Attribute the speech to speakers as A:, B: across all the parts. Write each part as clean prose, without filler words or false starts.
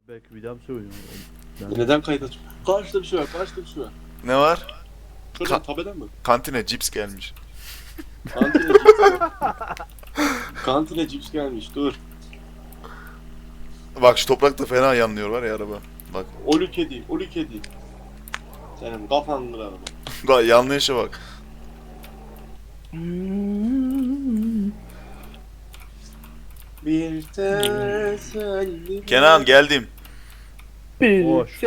A: Belki bir daha mı söylüyorum?
B: Neden kayıt açıp? Karşıda bir şey var, karşıda bir şey var.
C: Ne var?
B: Şuradan tabeden mi?
C: Kantine cips gelmiş.
B: Kantine cips. Kantine cips gelmiş, dur.
C: Bak şu toprakta fena yanlıyor var ya araba. Bak.
B: Olü kedi, olü kedi. Senin kafandır araba.
C: Bak yanlışa bak.
B: Bir teselli.
C: Kenan geldim.
A: Boş.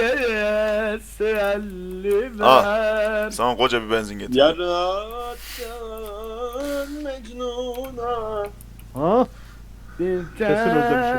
D: Teselli
C: Ah.
D: ver.
C: Sana koca bir benzin getir.
B: Yarattın Mecnun'a.
A: Ha?
D: Bir
A: Kesin özlemişim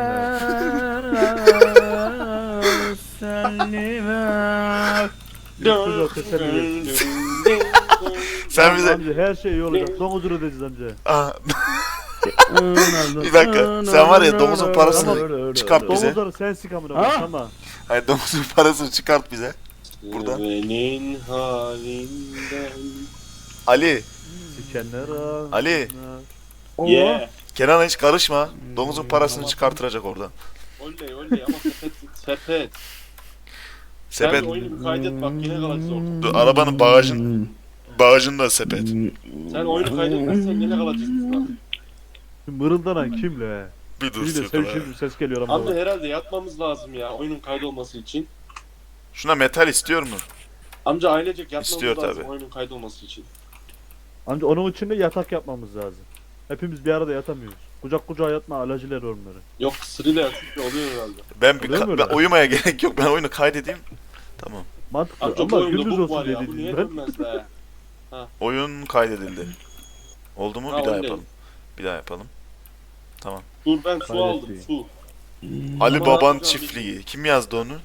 D: teselli ver.
A: Güzel teselli.
C: Sen bize...
A: Amca her şey iyi olacak. Son huzur ödeyeceğiz amca.
C: Ah, bir dakika. Sen var ya domuzun parasını çıkart bize.
A: Domuzları sen sik amına
D: Ha?
A: koyayım, tamam.
C: Hayır domuzun parasını çıkart bize. Buradan.
B: Senin halinden.
C: Ali.
A: Sikenler ha.
C: Ali.
B: Yeah.
C: Kenan'a hiç karışma. Domuzun parasını çıkartıracak oradan.
B: Oley oley ama sepet sepet.
C: Sepet.
B: Sen oyunu bir kaydet bak yine kalacağız ortada.
C: Dur, arabanın bagajında sepet.
B: Sen oyunu kaydetmezsen yine kalacağız biz bak.
A: Mırıldanan kimle?
C: Bir dur
A: Biri de
C: Sırkılar.
A: sevişir bir ses geliyor ama.
B: Amca herhalde yatmamız lazım ya oyunun kaydolması için.
C: Şuna metal istiyor mu?
B: Amca ailecek yatmamız
C: İstiyor
B: lazım
C: tabii.
B: oyunun kaydolması için.
A: Amca onun için de yatak yapmamız lazım. Hepimiz bir arada yatamıyoruz. Kucak kucağa yatma alacılar onları.
B: Yok sırayla yatıp oluyor herhalde.
A: Oluyor mu öyle?
C: Ben uyumaya gerek yok. Ben oyunu kaydedeyim. Tamam.
A: Mantıklı
B: Amca bu
A: ama
B: oyunda
A: gündüz
B: bug var
A: olsun
B: ya bu
A: dediydin
B: niye
A: ben.
B: dönmez be?
C: Oyun kaydedildi. Oldu mu?
B: Ha,
C: Bir daha
B: oley.
C: yapalım. Bir daha yapalım. Tamam.
B: Dur ben su
A: Kaydetti.
B: aldım su.
C: Ali
B: Ama
C: Baban
B: hocam
C: çiftliği. Kim yazdı onu?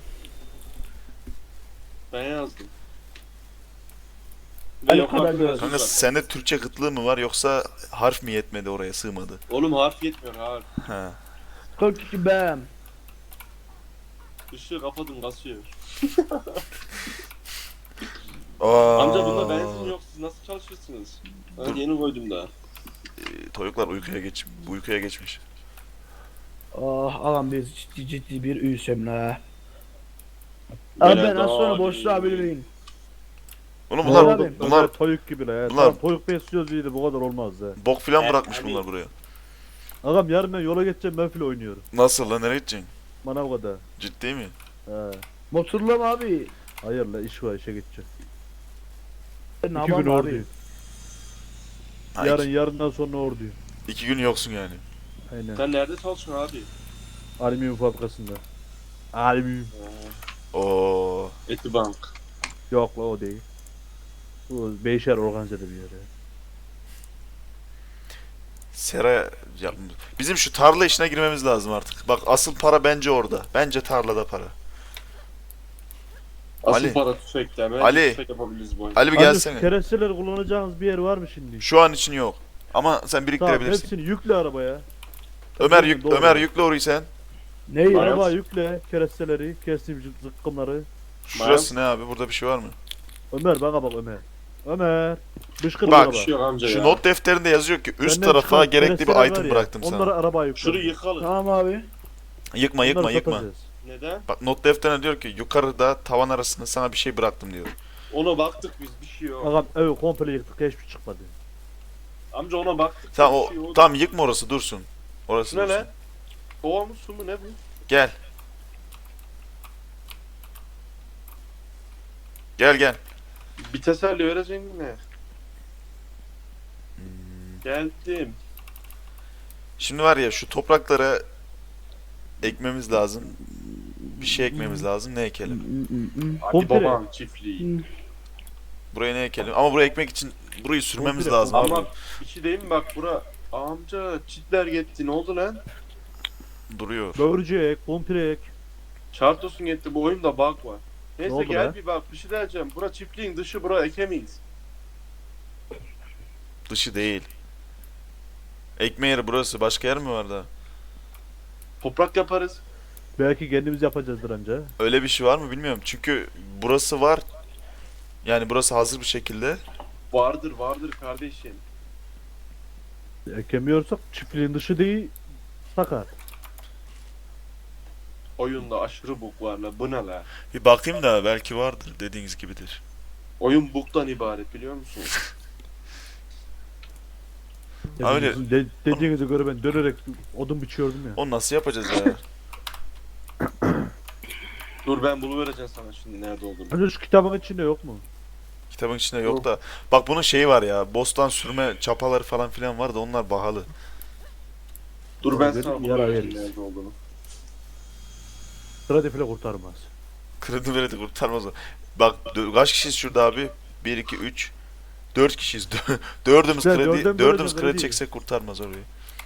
B: Ben yazdım.
D: Ali
B: Yok,
D: Karar
B: bak,
D: biraz.
C: Kanka sende Türkçe kıtlığı mı var yoksa harf mi yetmedi oraya sığmadı?
B: Oğlum harf yetmiyor harf.
C: Ha.
D: 42 bem.
B: Işığı kapadım kasıyor.
C: Aa,
B: Amca bunda benzin yok siz nasıl çalışırsınız? Ben
C: Dur.
B: yeni koydum daha.
C: Toyuklar uykuya geçmiş.
D: Ah ağam biz ciddi bir üyüsem la. Abi ben az sonra boşluğa bilmeyin.
C: Oğlum
D: Bunlar-
C: bunlar
D: abi,
C: bunlar
A: toyuk gibi la ya.
C: bunlar-
A: Tamam, toyuk besliyoruz iyi de bu kadar olmaz ha.
C: bok filan
B: Evet,
C: bırakmış
B: abi.
C: bunlar buraya.
A: Ağam yarın ben yola geçeceğim ben file oynuyorum.
C: Nasıl lan nereye gideceksin?
A: Manavga'da.
C: Ciddi mi?
A: He.
D: Motorla mı abi?
A: Hayır la iş var işe gideceğim.
D: Ne
A: 2 gün
D: yapalım abi?
A: oradayım.
C: Ha,
A: Yarından sonra oradayım.
C: iki gün yoksun yani.
A: Aynen.
B: Sen nerede çalışıyorsun abi?
A: Alüminyum fabrikasında. Alüminyum.
C: Oo.
B: Etibank.
A: Yok la o değil. Bu Beyşehir organizede bir yer ya.
C: Sera ya, bizim şu tarla işine girmemiz lazım artık. Bak asıl para bence orada. Bence tarlada para.
B: Asıl
C: Ali.
B: para tüfekte. Hemen
C: Ali.
B: tüfek yapabiliriz bu oyunda.
C: Ali bir
A: Abi,
C: gelsene.
A: keresteleri kullanacağınız bir yer var mı şimdi?
C: Şu an için yok. Ama sen
A: Tamam
C: biriktirebilirsin.
A: hepsini yükle arabaya. Doğru.
C: Ömer yükle orayı sen.
D: Ne ya?
A: Arabaya yükle keresteleri, kestim zıkkımları.
C: Şurası ne abi? Burada bir şey var mı?
A: Ömer bana bak Ömer. Ömer. Bışkır
C: Bak,
A: araba.
B: Bir şey yok amca
C: Şu
B: ya.
C: not defterinde yazıyor ki üst
A: Benden
C: tarafa
A: çıkan
C: gerekli bir
A: keresteler
C: item
A: var ya,
C: bıraktım
A: onları
C: sana.
A: arabaya yükle.
B: Şurayı yıkalım.
D: Tamam abi.
C: Yıkma
A: Onları satacağız.
B: Neden?
C: Bak not defterine diyor ki yukarıda tavan arasında sana bir şey bıraktım diyor.
B: Ona baktık biz bir şey yok.
A: Ağam evi komple yıktık hiçbir çıkmadı.
B: Amca ona baktık.
C: Tamam
B: bir şey yok.
C: tamam yıkma orası dursun. Orası
B: Ne
C: dursun.
B: lan? Kova mı su mu ne bu?
C: Gel. Gel.
B: Bir teselli vereceksin ne? Geldim.
C: Şimdi var ya şu topraklara ekmemiz lazım. Bir şey ekmemiz lazım. Ne ekelim?
B: Hadi
A: Komple.
B: baban çiftliği.
C: Buraya ne ekelim? Ama buraya ekmek için burayı sürmemiz
A: Komple.
C: lazım abi.
B: Ama bir şey diyeyim mi bak bura. Amca çitler gitti ne oldu lan?
C: Duruyor.
A: Böğürcek, pompirek.
B: Çartosun gitti bu oyunda bug var. Neyse
A: oldu
B: gel
A: be?
B: bir bak bir şey diyeceğim. Bura çiftliğin dışı bura ekemeyiz.
C: Dışı değil. Ekme yeri burası. Başka yer mi var da?
B: Toprak yaparız.
A: Belki kendimiz yapacağızdır anca.
C: Öyle bir şey var mı bilmiyorum. Çünkü burası var. Yani burası hazır bir şekilde.
B: Vardır kardeşim.
A: Ekemiyorsak çiftliğin dışı değil. Sakat.
B: Oyunda aşırı bug var la. Bu ne la?
C: Bir bakayım da belki vardır dediğiniz gibidir.
B: Oyun bug'dan ibaret biliyor musun?
A: Ya
C: Öyle.
A: sizin dediğinize göre ben dönerek odun biçiyordum ya.
C: Onu nasıl yapacağız ya?
B: Dur ben buluvereceğim sana şimdi nerede olduğunu.
A: Hani şu kitabın içinde yok mu?
C: Kitabın içinde yok da. Bak bunun şeyi var ya. Bostan sürme çapaları falan filan var da onlar pahalı.
B: Dur ben
A: Dur,
B: sana
A: yara
B: buluvereceğim
A: veririz.
B: nerede olduğunu.
A: Kredi falan kurtarmaz.
C: Kredi veredi kurtarmaz o. Bak kaç kişiyiz şurada abi? 1, 2, 3. 4 kişiyiz. Dördümüz
A: Güzel,
C: kredi,
A: dördün
C: dördümüz
A: böyle
C: kredi
A: kredi.
C: çeksek kurtarmaz orayı.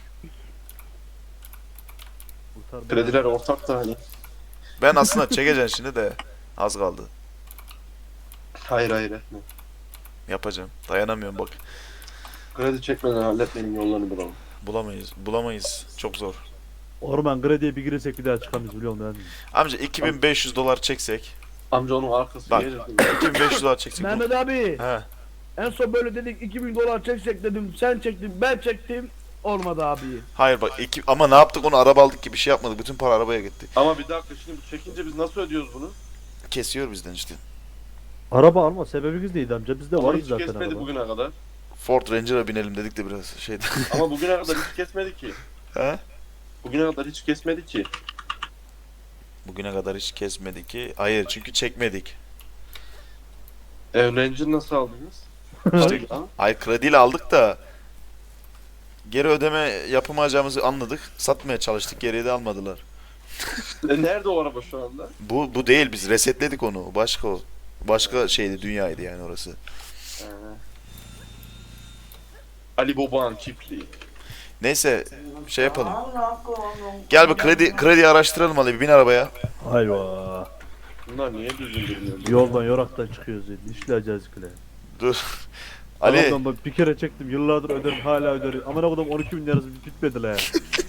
A: Kurtarmaz.
B: Krediler ortak da hani.
C: Ben aslında çekeceğim şimdi de az kaldı.
B: Hayır hayır etme.
C: Yapacağım. Dayanamıyorum bak.
B: Kredi çekmeden halletmenin yollarını bulalım.
C: Bulamayız. Bulamayız. Çok zor.
A: Orman krediye bir girsek bir daha çıkamayız biliyor musun?
C: Amca 2500 dolar çeksek.
B: Amca onun arkası
C: Bak.
B: gelir.
C: 2500 dolar çeksek.
D: Mehmet abi.
C: He.
D: En son böyle dedik 2000 dolar çeksek dedim. Sen çektin ben çektim. Olmadı abi.
C: Hayır bak ama ne yaptık onu araba aldık ki bir şey yapmadık. Bütün para arabaya gitti.
B: Ama bir dakika şimdi bu çekince biz nasıl ödüyoruz bunu?
C: Kesiyor bizden işte.
A: Araba alma sebebimiz neydi amca? Bizde
B: Ama
A: varız
B: hiç
A: zaten
B: kesmedi
A: araba.
B: bugüne kadar.
C: Ford Ranger'a binelim dedik de biraz şeydi.
B: Ama bugüne kadar hiç kesmedi ki.
C: He?
B: Bugüne kadar hiç kesmedi ki.
C: Bugüne kadar hiç kesmedi ki. Hayır çünkü çekmedik.
B: Ranger nasıl aldınız?
C: İşte
B: Ha?
C: ay krediyle aldık da geri ödeme yapamayacağımızı anladık. Satmaya çalıştık. Geriye de almadılar.
B: Nerede o araba şu anda?
C: Bu değil biz resetledik onu. Başka o. Başka şeydi dünyaydı yani orası.
B: Ee, Ali Baba'nın çiftliği.
C: Neyse şey yapalım. Gel bir kredi araştıralım hadi bir bin arabaya.
A: Ayva.
B: Bunlar niye düzgün durmuyor?
A: Yoldan yoraktan çıkıyoruz yani. İşleyeceğiz kule.
C: Dur. Ali
A: Tamam, ben bir kere çektim yıllardır öderim hala öderim. Aman okudum 12 bin lirası bitmedi la ya.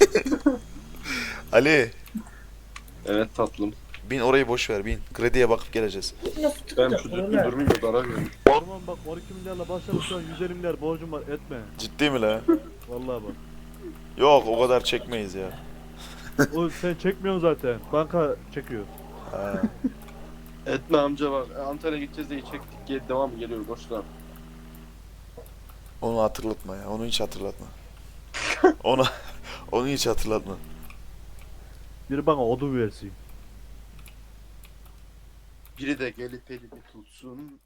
C: Ali
B: Evet tatlım.
C: bin orayı boş ver bin. Krediye bakıp geleceğiz.
B: Ben şu düzgün durmayayım da zarar veriyorum.
A: Orman bak 12 milyarla başladım şu an 150 milyar borcum var etme.
C: Ciddi mi la?
A: Vallahi bak.
C: Yok o kadar çekmeyiz ya.
A: O sen çekmiyorsun zaten. Banka çekiyor.
C: Ha.
B: Etme amca bak. Antalya'ya gideceğiz diye çektik. Gel devam mı geliyor boşlar.
C: Onu hatırlatma ya. Onu hiç hatırlatma. Onu hiç hatırlatma.
A: Biri bana odun versin.
B: Biri de gelip elimi tutsun.